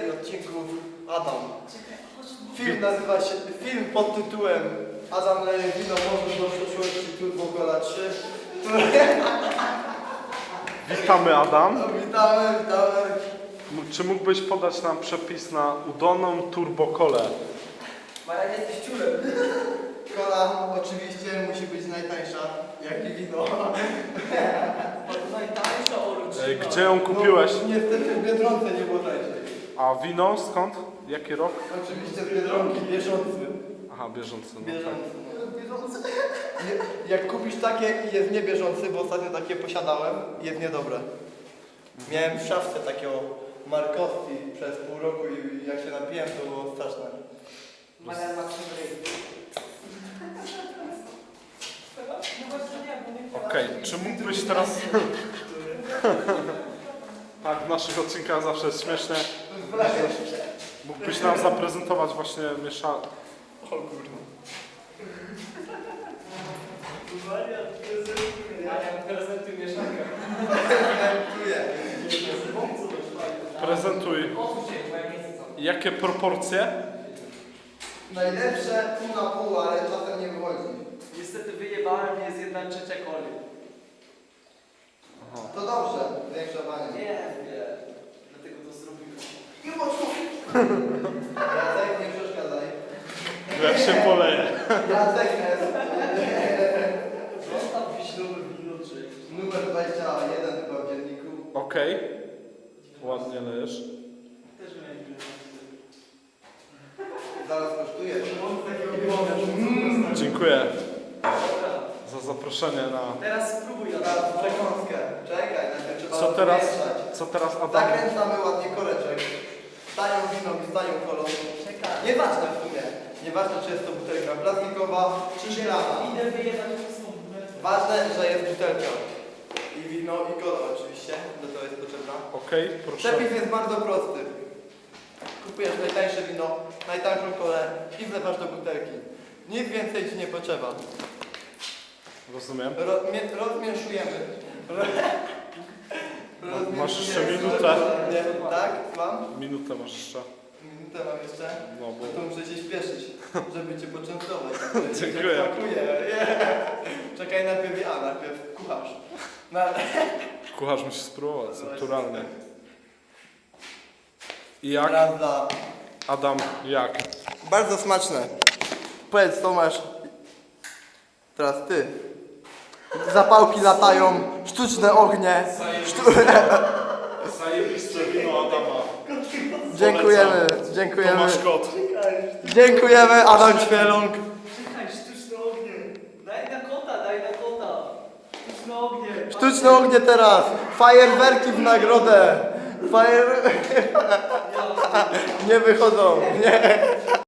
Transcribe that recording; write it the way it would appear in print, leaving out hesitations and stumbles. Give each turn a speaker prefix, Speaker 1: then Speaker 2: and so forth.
Speaker 1: serii odcinków Adam. Film nazywa się, film pod tytułem Adam leje wino może do przeszłości Turbo Cola 3.
Speaker 2: Witamy, Adam.
Speaker 1: No, witamy.
Speaker 2: Czy mógłbyś podać nam przepis na udoną turbokolę?
Speaker 1: Marian, jesteś ciulem. Kola oczywiście musi być najtańsza, jak i wino.
Speaker 3: Najtańsza oruczyna.
Speaker 2: Gdzie ją kupiłeś?
Speaker 1: No, niestety w Biedronce nie było tańszej.
Speaker 2: A wino skąd? Jaki rok?
Speaker 1: Oczywiście z Biedronki, bieżący.
Speaker 2: Aha, bieżący. No tak.
Speaker 1: Bieżący. Jak kupisz takie i jest niebieżący, bo ostatnio takie posiadałem, jest niedobre. Miałem w szafce takiego Markowski przez pół roku i jak się napiłem, to było straszne.
Speaker 3: Marian ma
Speaker 2: Okej, czy mógłbyś teraz... Tak, w naszych odcinkach zawsze jest śmiesznie. Mógłbyś nam zaprezentować właśnie mieszankę.
Speaker 1: O kurwa.
Speaker 3: Marian prezentuj mieszankę.
Speaker 2: Prezentuj. Jakie proporcje?
Speaker 1: Najlepsze pół na pół, ale czasem nie wychodzi.
Speaker 3: Niestety wyjebałem, jest 1/3 coli.
Speaker 1: To dobrze, większa bania.
Speaker 3: Nie. Dlatego to zrobiłem.
Speaker 1: Nie mocno. Jacek, nie przeszkadzaj.
Speaker 2: Jak się poleje.
Speaker 1: Jacek jest
Speaker 3: Zostaw wiśniowe wino, czy...
Speaker 1: numer 21 chyba w dzienniku.
Speaker 2: Okej. Ładnie lejesz.
Speaker 3: Też miałem wino.
Speaker 1: Zaraz kosztuje.
Speaker 2: Dziękuję za zaproszenie na...
Speaker 3: Teraz spróbuj,
Speaker 1: Teraz
Speaker 3: Adam.
Speaker 1: przekąskę. Czekaj, najpierw trzeba rozmieszać.
Speaker 2: Co teraz, Adam?
Speaker 1: Zakręcamy ładnie koreczek. Stają winą i stają kolą.
Speaker 3: Czekaj.
Speaker 1: Nieważne w sumie. Nieważne, czy jest to butelka plastikowa, czy szklana.
Speaker 3: Idę wyjebać pustą butelkę.
Speaker 1: Ważne, że jest butelka. I wino, i kola oczywiście. Do tego jest potrzebna.
Speaker 2: Okej, proszę.
Speaker 1: Przepis jest bardzo prosty. Kupujesz najtańsze wino, najtańszą kolę i wlewasz do butelki. Nic więcej ci nie potrzeba.
Speaker 2: Rozumiem.
Speaker 1: Rozmieszujemy.
Speaker 2: Masz jeszcze minutę.
Speaker 1: Nie, tak? Mam?
Speaker 2: Minutę masz jeszcze.
Speaker 1: Minutę mam jeszcze.
Speaker 2: No bo...
Speaker 1: No to muszę się śpieszyć, żeby cię poczęstować.
Speaker 2: Dziękuję.
Speaker 1: Czekaj, najpierw kucharz.
Speaker 2: Kucharz musi spróbować, naturalnie. I jak?
Speaker 1: Prawda.
Speaker 2: Adam, jak?
Speaker 1: Bardzo smaczne. Powiedz, Tomasz. Teraz ty. Zapałki latają, sztuczne ognie.
Speaker 2: Zajebiste wino Adama.
Speaker 1: Dziękujemy.
Speaker 2: Tomasz Kot.
Speaker 1: Dziękujemy, Adam Ćwieląg.
Speaker 3: Czekaj, sztuczne ognie. Daj na kota. Sztuczne ognie.
Speaker 1: Sztuczne ognie teraz. Fajerwerki w nagrodę. Nie wychodzą. Nie.